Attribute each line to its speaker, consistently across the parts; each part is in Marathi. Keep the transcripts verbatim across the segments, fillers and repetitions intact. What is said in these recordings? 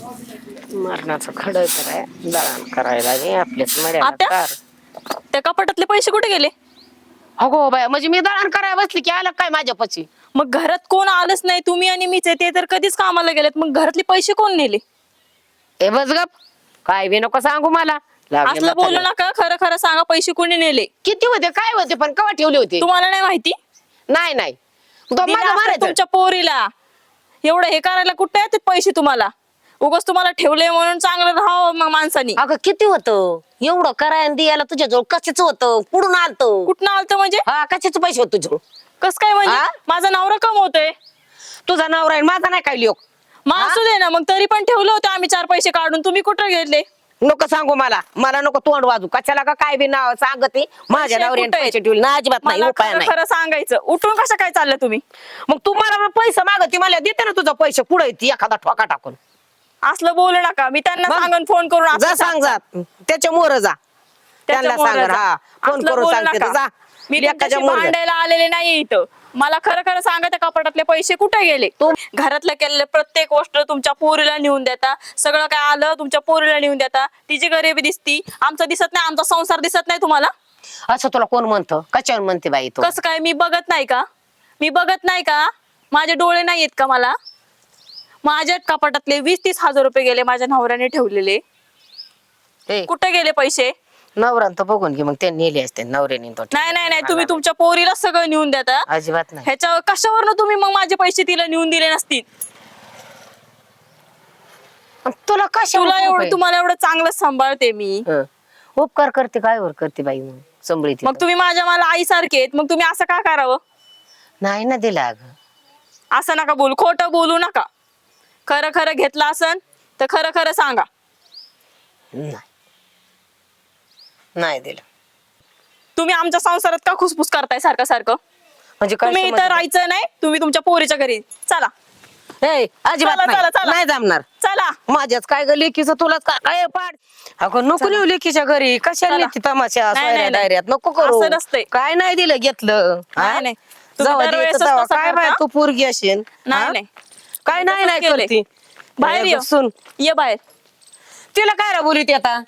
Speaker 1: मरणाचं खडं कराय दळण करायला गे आपल्याच
Speaker 2: आत्या?
Speaker 1: मर्यादा कर.
Speaker 2: त्या कपाटातले पैसे कुठे गेले?
Speaker 1: अगो बाय म्हणजे मी दळण करायला बसली की आलं काय माझ्या पची?
Speaker 2: मग घरात कोण आलंच नाही, तुम्ही आणि मीच आहे, ते तर कधीच कामाला गेलेत. मग घरातले पैसे कोण नेले?
Speaker 1: ए बस गप, काय बी नको सांगू मला. लागले
Speaker 2: असलं बोलू
Speaker 1: म्हाताऱ्याला.
Speaker 2: नका, खरं खरं सांगा, पैसे कोणी नेले?
Speaker 1: किती होते काय होते पण कवा ठेवले होते?
Speaker 2: तुम्हाला नाही माहिती?
Speaker 1: नाही नाही तो
Speaker 2: दिले
Speaker 1: माझा
Speaker 2: असतील
Speaker 1: मारायचं.
Speaker 2: तुमच्या पोरीला. एवढं हे करायला कुठे येतात पैसे तुम्हाला? उगाच तुम्हाला ठेवले म्हणून चांगलं राहावं मग माणसानी.
Speaker 1: अगं किती होतं एवढं करायला द्यायला तुझ्याजवळ कशाच होतं? कुठून आलतं?
Speaker 2: कुठनं आलतं म्हणजे?
Speaker 1: हा कशाचे पैसे होते तुझ्याजवळ?
Speaker 2: कस काय म्हणजे?
Speaker 1: हा?
Speaker 2: माझा नवरा कमवतोय.
Speaker 1: तुझा नवरा आहे माझा नाही काय लिओ.
Speaker 2: मग असू दे ना, मग तरी पण ठेवलं होतं आम्ही चार पैसे काढून. तुम्ही कुठं घेतले?
Speaker 1: नको सांगू मला, मला नको तोंड वाजू. कशाला का काय बी नाव सांगते माझ्या
Speaker 2: पैसे
Speaker 1: नवऱ्याने
Speaker 2: कुठे आहेत?
Speaker 1: पैसे ठेवले ना अजिबात नाही,
Speaker 2: मला
Speaker 1: उपाय
Speaker 2: खरं
Speaker 1: नाही.
Speaker 2: खरं सांगायचं. उठून कसं काय चाललं तुम्ही?
Speaker 1: मग तू मला पैसे मागते मला देते ना तुझं पैसे पुढे येते एखादा ठोका टाकून.
Speaker 2: असलं बोलू नका. मी त्यांना
Speaker 1: मग?
Speaker 2: सांगून फोन करून
Speaker 1: जा
Speaker 2: असं
Speaker 1: सांग जा त्याच्या मोर जा त्यांना
Speaker 2: त्याच्यामुळं
Speaker 1: सांग
Speaker 2: जा.
Speaker 1: हा फोन
Speaker 2: असलं
Speaker 1: करून
Speaker 2: बोलू
Speaker 1: सांगते
Speaker 2: नका.
Speaker 1: तर जा.
Speaker 2: मी
Speaker 1: लेकाच्या
Speaker 2: तुमच्याशी
Speaker 1: मोर जा.
Speaker 2: भांडायला आलेले नाही इथं. मला खरं खरं सांगा, त्या कपाटातले पैसे कुठे गेले?
Speaker 1: तू-
Speaker 2: घरातलं केलेलं प्रत्येक गोष्ट तुमच्या पोरीला नेऊन देता. सगळं काय आलं तुमच्या पोरीला नेऊन देता. तिची गरिबी दिसती, आमचं दिसत नाही, आमचा संसार दिसत नाही तुम्हाला?
Speaker 1: असं तुला कोण म्हणतं? कशावर म्हणते बाई तू?
Speaker 2: कसं काय? मी बघत नाही का? मी बघत नाही का? माझे डोळे नाही आहेत का मला? माझ्या कपाटातले वीस तीस हजार रुपये गेले माझ्या नवऱ्याने ठेवलेले.
Speaker 1: ए,
Speaker 2: कुठे गेले पैसे?
Speaker 1: नवरान तर बघून घे मग ते नेले असते नवऱ्याने तो.
Speaker 2: नाही नाही नाही, तुम्ही तुमच्या पोरीला सगळं नेऊन देता.
Speaker 1: अजिबात नाही.
Speaker 2: ह्याच्यावर कशावरनं तुम्ही मग माझे पैसे तिला नेऊन दिले नसतील?
Speaker 1: पण तुला कशा
Speaker 2: तुला एवढं, तुम्हाला एवढं चांगलं सांभाळते मी.
Speaker 1: उपकार करते काय वर करते बाई मग संभळीत
Speaker 2: मग तुम्ही माझ्या मला आई सारखे आहेत, मग तुम्ही असं का करावं?
Speaker 1: नाही ना दिला अगं.
Speaker 2: असं नका बोलू, खोटं बोलू नका. खरं खरं घेतलं असन तर खरं खरं सांगा.
Speaker 1: नाही नाही दिलं.
Speaker 2: तुम्ही आमच्या संसारात का खुसफुस करताय सारखं सारखं?
Speaker 1: म्हणजे काय
Speaker 2: तुम्ही इथं
Speaker 1: समजलं?
Speaker 2: राहायचं नाही, तुम्ही तुमच्या पोरीच्या घरी चला.
Speaker 1: ए, अजिबात
Speaker 2: चला,
Speaker 1: नाही.
Speaker 2: चला, चला.
Speaker 1: नाही जमणार.
Speaker 2: चला
Speaker 1: माझ्याच काय ग लेकीचं तुलाच का- काय पाड. अगं नको नेऊ लेकीच्या घरी कशाला
Speaker 2: चला.
Speaker 1: नेती तमाशा
Speaker 2: नाही, नाही, नाही.
Speaker 1: डायऱ्यात नको करू.
Speaker 2: असं नसतंय.
Speaker 1: काय नाही दिलं घेतलं हा?
Speaker 2: नाही, नाही. तुम्ही
Speaker 1: जाऊ
Speaker 2: दरवेळेस
Speaker 1: द्यायचं जाऊ.
Speaker 2: तसं
Speaker 1: काय बाय
Speaker 2: करता?
Speaker 1: तू पोरगी असेल
Speaker 2: नाही
Speaker 1: हा?
Speaker 2: नाही,
Speaker 1: काय नाही नाही
Speaker 2: केलंय.
Speaker 1: करती
Speaker 2: बाहेर ये.
Speaker 1: बसून
Speaker 2: ये बाहेर.
Speaker 1: तिला काय रा बोलीत आता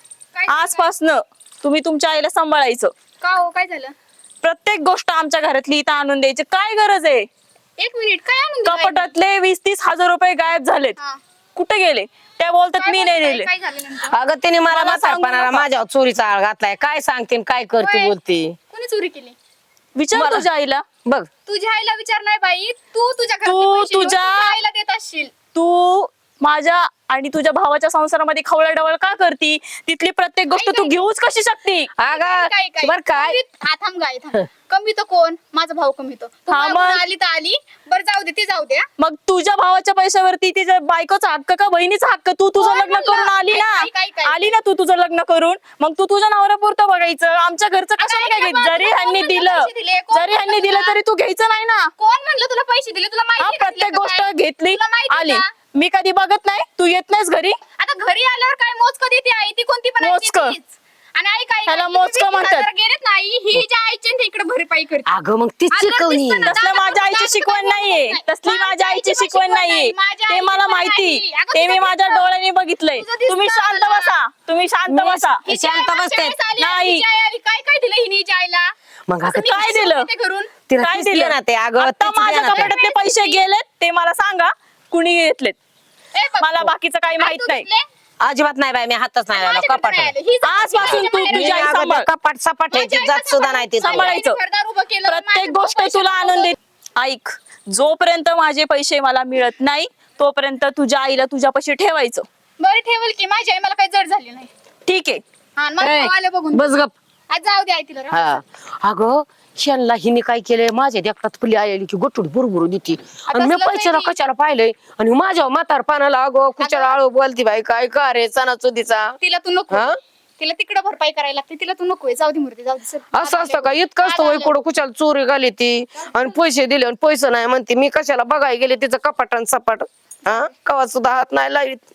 Speaker 2: आजपासनं तुम्ही तुमच्या आईला सांभाळायचं.
Speaker 3: का हो, काय झालं?
Speaker 2: प्रत्येक गोष्ट आमच्या घरातली इथं आणून द्यायची काय गरज आहे?
Speaker 3: एक मिनिट, काय आणून दिलं आईने?
Speaker 2: कपाटातले वीस तीस हजार रुपये गायब झालेत.
Speaker 3: हा.
Speaker 2: कुठे गेले? त्या बोलतात
Speaker 3: काय
Speaker 2: मी नाही
Speaker 3: बोलताय?
Speaker 2: नेले.
Speaker 3: काय झालं नेमकं?
Speaker 1: अगं तिने मला
Speaker 2: मला सांगू
Speaker 1: म्हातारपणाला
Speaker 2: नका.
Speaker 1: माझ्यावर चोरीचा आळ घातलाय. काय सांगते आणि काय करते
Speaker 3: होय.
Speaker 1: बोलते
Speaker 3: कोणी चोरी केली?
Speaker 2: विचार
Speaker 1: मला-
Speaker 2: तुझ्या आईला.
Speaker 1: बघ.
Speaker 3: तुझ्या आईला विचार नाही बाई, तू तुझ्या घरातले
Speaker 2: तू
Speaker 3: पैसे घेऊन
Speaker 2: तुझ्या-
Speaker 3: तुझ्या आईला देत असशील.
Speaker 2: तू माझ्या आणि तुझ्या भावाच्या संसारामध्ये खवळाडवळ का करती? तिथली प्रत्येक गोष्ट तू घेऊच कशी शकती?
Speaker 3: काय
Speaker 1: अगं
Speaker 3: काय
Speaker 1: बर काय
Speaker 3: कमीत- हा, थांब गाय थांब. कमीतो कोण? माझा भाऊ कमीतो. तू
Speaker 2: हा,
Speaker 3: मागून
Speaker 2: मग?
Speaker 3: आली तर आली. बरं जाऊ दे, ती जाऊ दे. हा.
Speaker 2: मग तुझ्या भावाच्या पैशावरती तिच्या बायकोचा हक्क का बहिणीचा हक्क? तू तुझं
Speaker 3: कोण
Speaker 2: लग्न
Speaker 3: म्हणलं?
Speaker 2: करून आली ना,
Speaker 3: काय- काय- काय-
Speaker 2: आली ना तू तुझं लग्न करून. मग तू तुझ्या नवऱ्यापुरतं बघायचं, आमच्या घरचं कशाला
Speaker 3: ऐक
Speaker 2: काय
Speaker 3: ना,
Speaker 2: घ्यायचं? जरी
Speaker 3: कोण
Speaker 2: ह्यांनी
Speaker 3: म्हणलं
Speaker 2: दिलं
Speaker 3: पैसे दिले? कोण
Speaker 2: जरी ह्यांनी
Speaker 3: म्हणलं
Speaker 2: दिलं
Speaker 3: तुला?
Speaker 2: तरी तू घ्यायचं नाही ना.
Speaker 3: कोण म्हणलं तुला पैसे दिले? तुला
Speaker 2: हा,
Speaker 3: माहिती का
Speaker 2: प्रत्येक
Speaker 3: दिले का
Speaker 2: गोष्ट
Speaker 3: काय?
Speaker 2: घेतली
Speaker 3: तुला माहिती
Speaker 2: आली.
Speaker 3: का?
Speaker 2: मी कधी बघत नाही, तू येत नाहीस घरी.
Speaker 3: आता घरी आल्यावर काय मोजकं देते आई? ती कोणती पण आई
Speaker 2: मोजकं.
Speaker 3: देतेच. आणि आई काय
Speaker 2: ह्याला
Speaker 3: करते?
Speaker 2: मोजकं
Speaker 3: वीस
Speaker 2: म्हणतात.
Speaker 3: हजार गेलेत ना आई, ही ज्या आईच्या ते इकडे भरपाई करते.
Speaker 1: अगं मग ती
Speaker 3: आलं
Speaker 1: शिकवणी
Speaker 3: दिसतं ना,
Speaker 2: तसलं माझ्या आईची शिकवण नाहीये. तसली माझ्या आईची शिकवण नाहीये. ते मला माहिती. ते मी माझ्या डोळ्याने बघितलंय.
Speaker 3: तुझं दिसतं
Speaker 2: तुम्ही शांत
Speaker 3: मला.
Speaker 2: बसा. तुम्ही शांत
Speaker 1: मी-
Speaker 2: बसा.
Speaker 3: हिची आई
Speaker 1: शांत
Speaker 3: मागच्या
Speaker 1: बसते.
Speaker 3: वेळेस आली,
Speaker 2: नाही.
Speaker 3: हिची आई आली. काय काय दिलं हिने हिच्या आईला?
Speaker 1: मग अगं
Speaker 3: मी
Speaker 2: काय
Speaker 3: कशी
Speaker 2: दिलं?
Speaker 3: बोलते घरून?
Speaker 1: तिला
Speaker 2: काय
Speaker 1: तीच
Speaker 2: दिलं?
Speaker 1: देणार ते अगं
Speaker 2: आता
Speaker 1: तीच
Speaker 2: माझ्या
Speaker 1: देणार ते.
Speaker 2: कपाटातले पैसे गेलेत ते मला सांगा, कुणी घेतलेत?
Speaker 3: ए, बघ.
Speaker 2: मला बाकीचं काही
Speaker 3: आई,
Speaker 2: माहित
Speaker 3: तू
Speaker 2: नाही.
Speaker 3: दिसले?
Speaker 1: अजिबात नाही बाई मी हातच नाही लावला
Speaker 3: माझ्याकडे
Speaker 1: कपाट
Speaker 3: नाही आलं. ही जात
Speaker 2: आजपासून
Speaker 3: माझ्या
Speaker 2: तू
Speaker 3: बाहेर
Speaker 2: तुझी आई
Speaker 3: गेली.
Speaker 2: सांभाळ.
Speaker 1: कपाट सपाट
Speaker 3: माझ्या
Speaker 1: ह्याची
Speaker 3: आईला
Speaker 1: जात सुद्धा नाही ती
Speaker 3: सांभाळ.
Speaker 2: सांभाळायचं.
Speaker 3: घरदार उभं केलं,
Speaker 2: प्रत्येक
Speaker 3: माझे
Speaker 2: गोष्ट
Speaker 3: पैसे
Speaker 2: तुला
Speaker 3: लावलं.
Speaker 2: आणून देत. ऐक, जोपर्यंत माझे पैसे मला मिळत नाही तोपर्यंत तुझ्या आईला तुझ्यापाशी ठेवायचं.
Speaker 3: बरं ठेवल की, माझी आई मला काही जड झाली नाही.
Speaker 2: ठीक आहे.
Speaker 3: हा, आणि मला
Speaker 1: ए,
Speaker 3: भाऊ आले बघून.
Speaker 1: बस गप.
Speaker 3: आज जाऊ दे आई तिला. राहू
Speaker 1: हा अगं शेणला हिने काय केलंय माझ्या देखतात फुली आलेली की गोटूड बुरबुरू देती आणि मी
Speaker 3: तसलं
Speaker 1: पैशाला
Speaker 3: काही-
Speaker 1: कशाला पाहिलंय आणि माझ्या म्हातार पानाला अगं कुचाला आळू बोलती बाई काय का रे सणासुदीचा
Speaker 3: तिला तू नको.
Speaker 1: हा?
Speaker 3: तिला तिकडं भरपाई करायला लागते, तिला तू नको. जाऊ दे मूर्ती, जाऊ दे सर.
Speaker 1: असं असतं का इतकं असतं वय कुठं कुशाला चोरी घाली ती आणि पैसे दिले आणि पैसे नाही म्हणते मी कशाला बघायला गेले तिचं कपाट आणि सपाट हा कवा सुद्धा हात नाही लावित.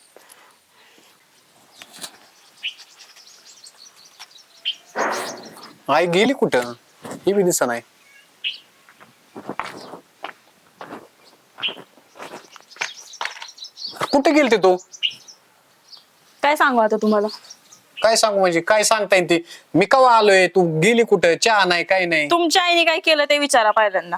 Speaker 4: आई गेली कुठं? ही बी दिसा नाही. कुठे गेलते तू?
Speaker 2: काय सांगू आता तुम्हाला?
Speaker 4: काय सांगू म्हणजे काय सांगता येईल ते? मी कवा आलोय, तू गेली कुठं? चहा नाही काय नाही.
Speaker 2: तुमच्या आईने काय केलं ते विचारा पहिल्यांदा.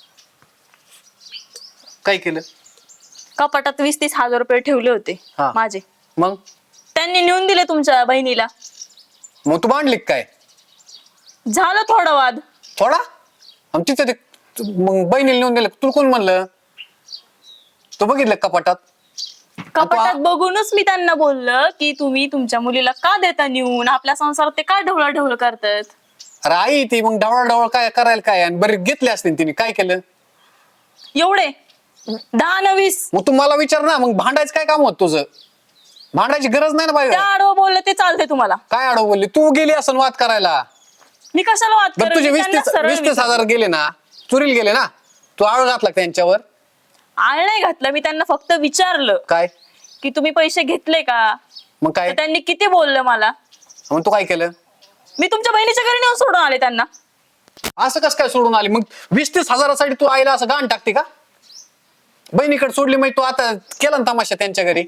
Speaker 4: काय केलं?
Speaker 2: कपाटात वीस तीस हजार रुपये ठेवले होते
Speaker 4: हा.
Speaker 2: माझे.
Speaker 4: मग
Speaker 2: त्यांनी नेऊन दिले तुमच्या बहिणीला.
Speaker 4: मग तू मांडली का काय?
Speaker 2: झालं थोडा वाद.
Speaker 4: थोडा? आणि तिथं ते तू- मग बहिणीला नेऊन दिलं, तुला कोण म्हणलं? तू बघितलं कपाटात?
Speaker 2: कपाटात बघूनच मी त्यांना बोललं की तुम्ही तुमच्या मुलीला का देता नेऊन, आपल्या संसारात ते का ढवळा ढवळ करतात.
Speaker 4: अरे आई ती मग ढवळा ढवळ काय करायला काय? आणि बरे घेतले असते तिने, काय केलं?
Speaker 2: एवढे दहा न वीस.
Speaker 4: मग तू मला विचार ना, मग भांडायचं काय काम होत तुझं? भांडायची गरज नाही ना
Speaker 2: त्या
Speaker 4: बाई.
Speaker 2: आडवं बोललं ते चालते तुम्हाला.
Speaker 4: काय आडव बोलली? तू गेली असं वाद करायला.
Speaker 2: मी कशाला वाद
Speaker 4: बरं
Speaker 2: करेन?
Speaker 4: तुझे
Speaker 2: मी
Speaker 4: वीस
Speaker 2: त्यांना
Speaker 4: तीस
Speaker 2: सरळ
Speaker 4: वीस तीस
Speaker 2: विचारलं.
Speaker 4: हजार गेले ना, चुरीला गेले ना, तू आळ घातला का त्यांच्यावर?
Speaker 2: आळ नाही घातलं, मी त्यांना फक्त विचारलं
Speaker 4: काय
Speaker 2: की तुम्ही पैसे घेतले का.
Speaker 4: मग काय?
Speaker 2: तर त्यांनी किती बोललं मला.
Speaker 4: मग तू काय केलं?
Speaker 2: मी तुमच्या बहिणीच्या घरी नेऊन सोडून आले त्यांना.
Speaker 4: असं कसं काय सोडून आली? मग वीस तीस हजारासाठी तू आईला असं गाण टाकते का? बहिणीकडे सोडली मग तू आता केला ना तमाशा त्यांच्या घरी.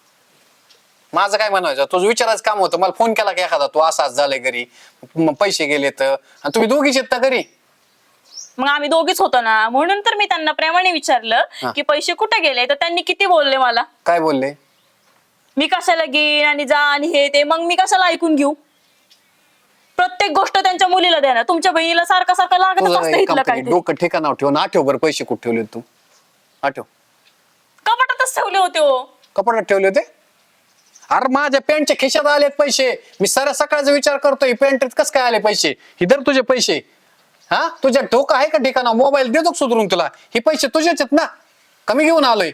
Speaker 4: माझं काय म्हणायचं, तुझं विचारायचं काम होतं. मला फोन केला की एखादा, तू असाच झालंय घरी, मग पैसे गेले तर, आणि तुम्ही दोघीच येत घरी.
Speaker 2: मग आम्ही दोघीच होतो ना, म्हणून तर मी त्यांना प्रेमाने विचारलं
Speaker 4: हा.
Speaker 2: की पैसे कुठे गेले. तर त्यांनी किती बोलले मला.
Speaker 4: काय बोलले?
Speaker 2: मी कशाला घेईन आणि जा आणि हे ते. मग मी कशाला ऐकून घेऊ. प्रत्येक गोष्ट त्यांच्या मुलीला देणार. तुमच्या बहिणीला सारखं सारखं लागत
Speaker 4: तुझं
Speaker 2: असतं
Speaker 4: एक
Speaker 2: इथलं
Speaker 4: काम कर,
Speaker 2: काहीतरी.
Speaker 4: डोकं ठिकाणावर ठेवून आठव बरं पैसे कुठे ठेवले तू? आठव.
Speaker 2: कपाटातच ठेवले होते हो.
Speaker 4: कपाटात ठेवले होते? अरे माझ्या पॅन्टच्या खिशात आलेत पैसे. मी साऱ्या सकाळचा विचार करतोय, पॅन्टीत कस काय आले पैसे? इधर तुझे पैसे. हा, तुझ्या डोकं आहे का ठिकाणा? मोबाईल देतो का सुधरून तुला? हे पैसे तुझेच आहेत ना, कमी घेऊन आलोय.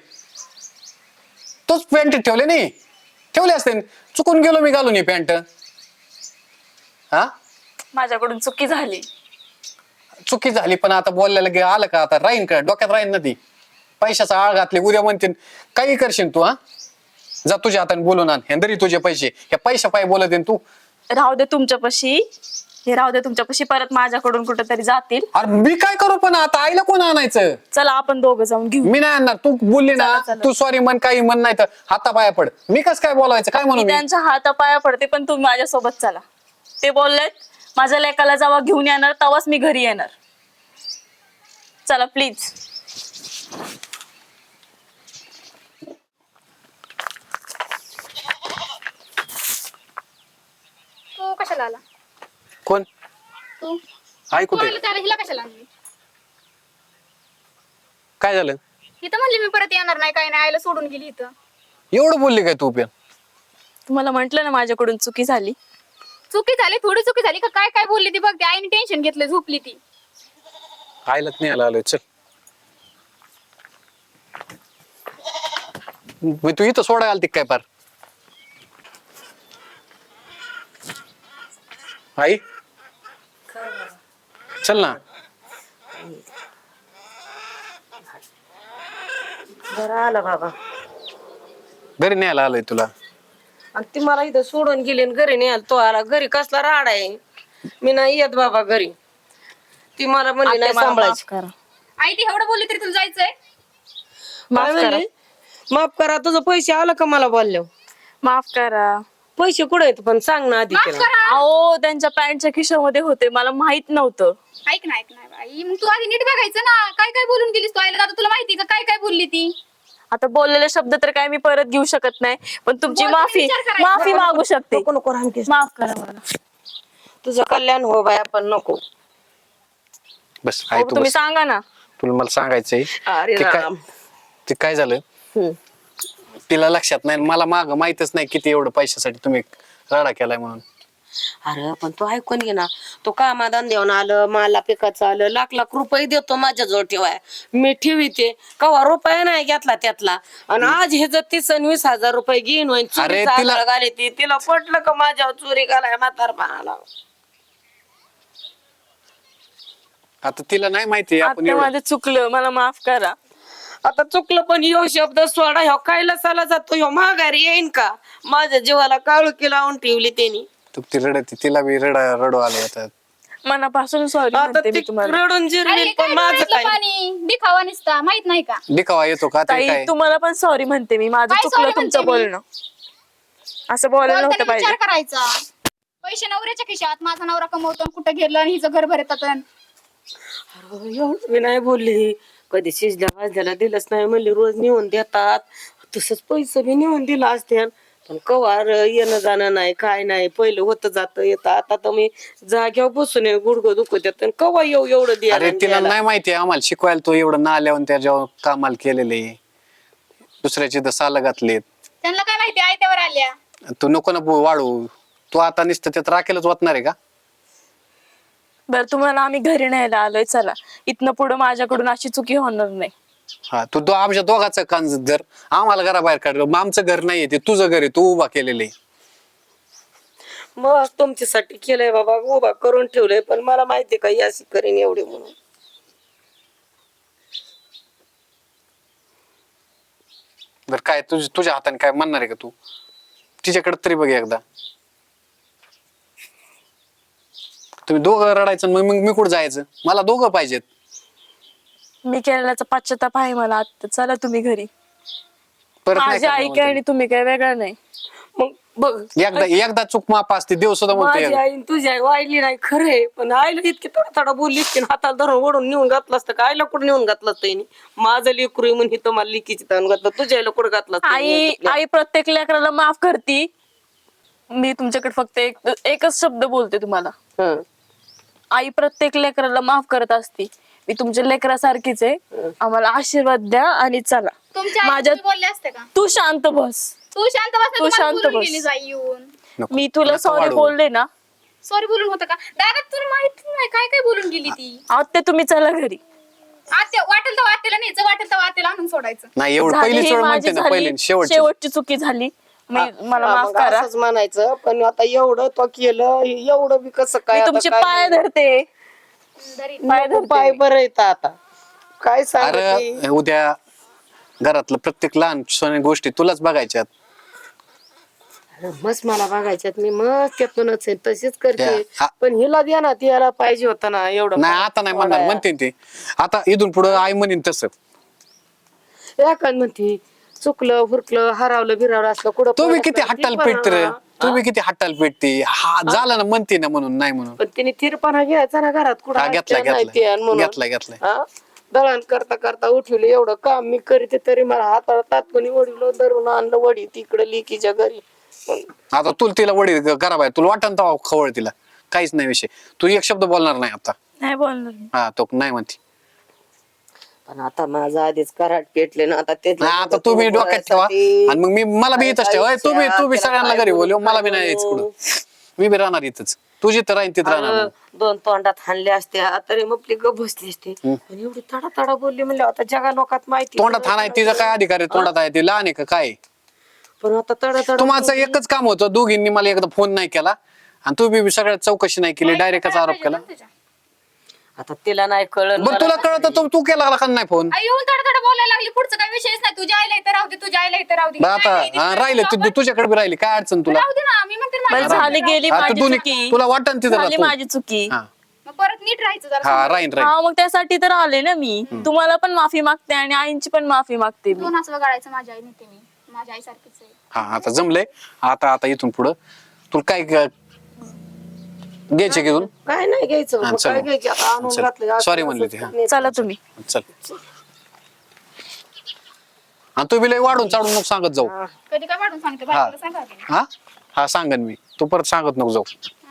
Speaker 4: तूच पॅन्टीत ठेवले नाही? ठेवले असते. चुकून गेलो मी घालून ही पॅन्ट. हा,
Speaker 2: माझ्याकडून चुकी झाली.
Speaker 4: चुकी झाली पण आता बोललेलं गे आलं का? आता राहीन का? डोक्यात राहीन ना ती. पैशाचा आळ घातले, उद्या म्हणतील काही करशील तू. हा, जा तुझ्या हाताने बोलून आण. हेंदरी तुझे पैसे. या पैशा पाय बोलत तू.
Speaker 2: राहू दे तुमच्यापाशी, हे राहू दे तुमच्यापाशी. परत माझ्याकडून कुठेतरी जातील.
Speaker 4: अरे मी काय करू पण आता? आईला कोण आणायचं?
Speaker 2: चला आपण दोघं जाऊन घेऊ.
Speaker 4: मी नाही आणणार. तू बोलली ना,
Speaker 2: चला, चला.
Speaker 4: तू सॉरी म्हण, काही म्हण, नाही तर हातापाया पड. मी कस काय बोलायचं? काय म्हणू
Speaker 2: मी
Speaker 4: मी?
Speaker 2: त्यांच्या हातापाया पडते, पण तुम्ही माझ्यासोबत चला. ते बोललेत माझ्या लेकाला जेव्हा घेऊन येणार तेव्हाच मी घरी येणार. चला प्लीज.
Speaker 3: तू कशाला आला?
Speaker 4: कोण?
Speaker 3: तू
Speaker 4: आई
Speaker 3: तू
Speaker 4: कुठे?
Speaker 3: आला त्याला हिला कशाला आणली?
Speaker 4: काय झालं?
Speaker 3: इथं म्हणली मी परत येणार नाही, काय नाही, आईला सोडून गेली इथं.
Speaker 4: एवढं बोलली काय तू पण?
Speaker 2: तुम्हाला म्हंटल ना माझ्याकडून चुकी झाली.
Speaker 3: चुकी झाली, थोडी चुकी झाली का? काय काय बोलली ती बघ. ती आईने टेन्शन घेतलं, झोपली ती.
Speaker 4: आईलाच नाही आला आलोय. चल मी तू इथं सोडा आलती काय पार? आई चल ना.
Speaker 1: बरं आलं बाबा.
Speaker 4: घरी न्यायला आलोय तुला.
Speaker 1: आणि ती मला इथं सोडून गेली आणि घरी नाही आला. तो आला घरी, कसला राड आहे. मी नाही येत बाबा घरी. ती मला म्हणली नाही
Speaker 2: आत्या, मला
Speaker 1: सांभाळायची.
Speaker 2: माफ करा.
Speaker 3: आई ती एवढं बोलली तरी तुला जायचंय?
Speaker 2: माफ
Speaker 1: काय
Speaker 2: करा.
Speaker 1: म्हणली? माफ करा. तुझं पैसे आलं का मला बोलल्यावर?
Speaker 2: माफ करा.
Speaker 1: पैसे कुठे आहेत पण सांग ना आधी
Speaker 3: माफ
Speaker 1: त्याला.
Speaker 3: करा.
Speaker 2: अहो त्यांच्या पॅन्टच्या खिशामध्ये होते, मला माहित नव्हतं.
Speaker 3: ऐक ना, ऐक ना आई, मग तू आधी नीट बघायचं ना. काय काय बोलून गेलीस तू आईला? आता तुला माहिती का काय काय बोलली ती?
Speaker 2: आता बोललेले शब्द तर काय मी परत घेऊ शकत नाही, पण तुमची
Speaker 3: बोलताना
Speaker 2: माफी
Speaker 3: विचार करायचा.
Speaker 2: माफी मागू शकते.
Speaker 1: नको नको रामकेश.
Speaker 2: माफ करा मला.
Speaker 1: तुझं कल्याण हो बाया, पण नको.
Speaker 4: बस आई
Speaker 2: अहो,
Speaker 4: तू
Speaker 2: तुम्ही
Speaker 4: बस.
Speaker 2: सांगा ना.
Speaker 4: तुला मला सांगायचंय
Speaker 1: अरे
Speaker 4: ते काय
Speaker 1: राम.
Speaker 4: ते काय झालं.
Speaker 1: हम्म.
Speaker 4: तिला लक्षात नाही, मला माग माहितच नाही किती एवढं पैशासाठी तुम्ही राडा केलाय म्हणून.
Speaker 1: अरे पण तू ऐकून घे ना. तो कामा धंद्यावर आलं, मला पिकाचं आलं, लाख लाख रुपये देतो माझ्याजवळ ठेवाय. मी ठेवीते कवा रुपये नाही घेतला त्यातला. आणि आज हे जर तीस आणि वीस हजार रुपये घेईन होईन,
Speaker 4: अरे
Speaker 1: चोरीचा
Speaker 4: तिला-
Speaker 1: आजार घाली ती. तिला पटलं का माझ्यावर चोरी घालाय म्हातारपणाला?
Speaker 4: आता तिला नाही माहिती आपण
Speaker 2: आता
Speaker 4: एवढं.
Speaker 2: माझं चुकलं, मला माफ करा.
Speaker 1: आता चुकलं पण ह्यो शब्द सोडा. ह्यो खायला साला जातो. ह्यो माघारी येईन का? माझ्या जीवाला काळुकी लावून ठेवली त्यांनी.
Speaker 4: तू ती रडती, तिला बी रडा रडू आलं आता.
Speaker 2: मनापासून सॉरी
Speaker 1: आता
Speaker 2: म्हणते मी
Speaker 1: ती
Speaker 2: तुम्हाला.
Speaker 1: रडून
Speaker 3: अरे
Speaker 1: जिरली
Speaker 3: काय
Speaker 1: पण माझं
Speaker 3: डोळ्यातलं
Speaker 1: काय
Speaker 3: पाणी दिखावा नसता माहित नाही का?
Speaker 4: दिखावा येतो का ते
Speaker 2: ताई
Speaker 4: काय
Speaker 2: तुम्हाला पण सॉरी म्हणते मी, माझं
Speaker 3: काय
Speaker 2: चुकलं
Speaker 3: sorry
Speaker 2: तुमचं
Speaker 3: म्हणते मी?
Speaker 2: बोलणं. असं बोलायला नव्हतं
Speaker 3: बोलताना
Speaker 2: पाहिजे.
Speaker 3: विचार करायचा. पैसे नवऱ्याच्या खिशात, माझा नवरा कमवतो आणि कुठं गेलं आणि हिचं घर भरतात.
Speaker 1: एवढं मी नाही बोलली. कधी शिजल्या भाजल्याला दिलंच नाही म्हणली, रोज नेऊन देतात. तसंच पैसे बी नेऊन दिला असते पण कवार येणं जाणं नाही काय नाही. पहिलं होतं जातं येतं. आता तर मी जाग्यावर बसून गुडघं दुखत येत कवा येऊ एवढं द्यायला
Speaker 4: अरे
Speaker 1: आणि
Speaker 4: तिला
Speaker 1: द्यायला.
Speaker 4: नाही माहिती आम्हाला शिकवायला तो एवढं ना आल्यावर त्याच्यावर कामाला केलेले दुसऱ्याची तर साल घातलेत.
Speaker 3: त्यांना काय माहिती आयत्यावर आल्या.
Speaker 4: तू नको ना बो- वाढू. तू आता नुसतं त्यात राखेलच वाटणार आहे का?
Speaker 2: बरं तुम्हाला आम्ही घरी न्यायला आलोय, चला इथनं पुढे माझ्याकडून अशी चुकी होणार नाही.
Speaker 4: हा तू दो आमच्या दोघांचं कान जर आम्हाला घराबाहेर काढलं मग आमचं घर नाहीये ते तुझं घर आहे, तू उभा केलेलं आहे.
Speaker 1: मग तुमच्यासाठी केलंय बाबा, उभा करून ठेवलंय पण मला माहिती का ही अशी करीन एवढी म्हणून.
Speaker 4: बर काय तुझ तुझ्या हाताने काय म्हणणार आहे का तू? तिच्याकडे तरी बघ एकदा. तुम्ही दोघं रडायचं मग मग मी कुठं जायचं? मला दोघं पाहिजेत.
Speaker 2: मी केलेल्याचा पश्चाताप आहे मला आता, चला तुम्ही घरी.
Speaker 4: परत नाही
Speaker 2: माझी आई
Speaker 4: करणार
Speaker 2: काय आणि तुम्ही काय वेगळं नाही.
Speaker 1: मग बघ
Speaker 4: म्हणते. एकदा एकदा चूक माप असते देव सुद्धा
Speaker 1: माझी
Speaker 4: म्हणतो
Speaker 1: आई आणि तुझी आई वाईली नाही खरंय पण आईला इतकी थोडा थोडा बोलली इतकी हाताला धरून ओढून नेऊन घातलं असतं का? आईला कुठं नेऊन घातलं असतं हिने? माझं लेकरू आहे म्हणून हिथं मला लिकीची ताण घातलं, तुझ्या आईला कुठं घातलं असतं
Speaker 2: आई
Speaker 1: हिने?
Speaker 2: आई प्रत्येक लेकराला माफ करती. मी तुमच्याकडे फक्त एक एकच शब्द बोलते तुम्हाला.
Speaker 1: हं.
Speaker 2: आई प्रत्येक लेकराला माफ करत असती. मी तुमच्या लेकरासारखीच आहे. आम्हाला आशीर्वाद द्या आणि चला.
Speaker 3: तुमच्या आई
Speaker 2: माझ्या
Speaker 3: तुम्ही बोलले असते का?
Speaker 2: तू शांत बस.
Speaker 3: तू शांत बस ना,
Speaker 2: तू
Speaker 3: तुम्हाला
Speaker 2: शांत
Speaker 3: बोलून
Speaker 2: बस.
Speaker 3: गेली जाई येऊन.
Speaker 4: नको.
Speaker 2: मी तुला
Speaker 4: नको
Speaker 2: सॉरी
Speaker 4: वाढवू.
Speaker 2: बोलले ना.
Speaker 3: सॉरी बोलून होतं का? दादा तुला माहिती नाही काय काय बोलून गेली ती.
Speaker 2: आता तुम्ही चला घरी.
Speaker 3: आत्या वाटेल तर वाटेला न्यायचं, वाटेल तर वाटेला आणून सोडायचं.
Speaker 4: नाही एवढं
Speaker 2: झाली
Speaker 4: पहिली
Speaker 2: ही
Speaker 4: वेळ
Speaker 2: माझी
Speaker 4: म्हणते ना
Speaker 2: झाली,
Speaker 4: पहिली शेवटची
Speaker 2: शेवटची चुकी झाली. मी- मला
Speaker 1: हा,
Speaker 2: माफ
Speaker 1: मग
Speaker 2: करा.
Speaker 1: असंच म्हणायचं पण आता एवढं तो केलं एवढं बी कसं काय
Speaker 2: मी
Speaker 1: आता
Speaker 2: तुमचे
Speaker 1: काय
Speaker 2: पाय
Speaker 1: नाही.
Speaker 2: धरते.
Speaker 3: दरी
Speaker 2: पाय
Speaker 1: नको,
Speaker 2: धरते
Speaker 1: पाय
Speaker 2: मी.
Speaker 1: बरं येतं आता काय सांगते.
Speaker 4: अरे उद्या घरातलं प्रत्येक लहान सोन्या गोष्टी तुलाच बघायच्यात.
Speaker 1: मस्त मला बघायच्यात मी मस्त त्यातूनच आहे तशीच करते
Speaker 4: हा.
Speaker 1: पण हिला द्या ना ती याला पाहिजे होतं ना एवढं.
Speaker 4: नाही आता नाही म्हणणार म्हणते ते. आता इथून पुढे आई म्हणेन तसं.
Speaker 1: एखाद म्हणते चुकलं हुरकलं हरावलं बिरावलं असलं कुठं
Speaker 4: तुम्ही
Speaker 1: पडत
Speaker 4: किती
Speaker 1: नाही,
Speaker 4: हट्टाल
Speaker 1: ती
Speaker 4: पेटते रे.
Speaker 1: पण,
Speaker 4: तुम्ही किती हट्टाल पेटते. हा झालं ना म्हणते ना म्हणून नाही म्हणून.
Speaker 1: पण तिने थिरपणा घ्यायचा ना घरात कुठं
Speaker 4: हा घेतला
Speaker 1: हट्ट नाही ते आणि
Speaker 4: घेतला
Speaker 1: म्हणून.
Speaker 4: घेतला घेतलाय.
Speaker 1: हा? दळण करता करता उठवलं एवढं काम मी करीते तरी मला हाताला तात्पुणी वडील धरून आणलं वडी तिकडे लिकीच्या घरी.
Speaker 4: आता तुला तिला वडी घराबाहेर तुला वाटण तर खवळ तिला काहीच नाही विषय. तू एक शब्द बोलणार नाही आता.
Speaker 2: नाही बोलणार मी.
Speaker 4: हा तो नाही म्हणते.
Speaker 1: पण आता माझं आधीच कराट पेटले ना आता ते
Speaker 4: नाही आता तुम्ही डोक्यात ठेवा आणि मग मी मला बी इथंच ठेवा. तू बी तू बी सगळ्यांना घरी बोलव मला बी नाही यायचं कुठं. मी बी राहणार इथंच. तुझी तर राहीन तिथं राहणार मग.
Speaker 1: दोन तोंडात हाणले असते तरी मग आपली गप बसली असते आणि एवढी तडा तडा बोलली म्हणजे आता जगा लोकात माहिती
Speaker 4: तोंडात हाणाय तिचा काय अधिकार आहे? तोंडात आहे ती लहान आहे का काय?
Speaker 1: पण आता तडा तडा
Speaker 4: तुम्हाला एकच काम होतं दोघींनी मला एकदा फोन नाही केला आणि तू बी सगळ्यात चौकशी नाही केली डायरेक्टच आरोप केला.
Speaker 1: आता तिला नाही कळलं
Speaker 4: बरं तुला कळत तू तू केला का नाही फोन?
Speaker 3: आई येऊन थोडं थोडं बोलायला लागली. पुढचं काही विषयच नाही. तुझ्या आईला इथं राहू दे, तुझ्या आईला इथं राहू दे.
Speaker 4: बरं आता हा, राहिले तू तुझ्याकडे बी राहिली काय अडचण तुला?
Speaker 3: राहू दे ना, मी म्हणते ना
Speaker 2: बरं
Speaker 3: माझ्या
Speaker 2: झाली गेली
Speaker 4: हा, तू
Speaker 2: माझी
Speaker 4: दोन्ही
Speaker 2: चुकी.
Speaker 4: तुला वाटण तिथं
Speaker 2: झाली
Speaker 4: राहतो.
Speaker 2: माझी चुकी.
Speaker 4: हा
Speaker 3: मग परत नीट राहायचं जरा.
Speaker 4: हा राहीन राहीन.
Speaker 2: हा मग त्यासाठी तर आले ना मी. तुम्हाला पण माफी मागते आणि आईंची पण माफी मागते मी.
Speaker 3: दोन असं गाळायचं माझ्या आई नेते मी. माझ्या आई सारखीच आहे.
Speaker 4: हा आता जमलंय. आता आता इथून पुढं तुला काय ग- घ्यायचे घेऊन
Speaker 1: काय नाही घ्यायचं
Speaker 4: हा,
Speaker 1: मग
Speaker 4: चल.
Speaker 1: काय घ्यायचं आता आणून
Speaker 4: चल.
Speaker 1: घातलं
Speaker 4: Sorry म्हणली ती, हा.
Speaker 2: चला तुम्ही.
Speaker 4: चल. आणि तू बी लय वाढून चाडून नको सांगत जाऊ.
Speaker 3: कधी काय वाढून सांगते
Speaker 4: हा
Speaker 3: बायकोला सांगा की.
Speaker 4: हा हा सांगन मी. तू परत सांगत नको जाऊ.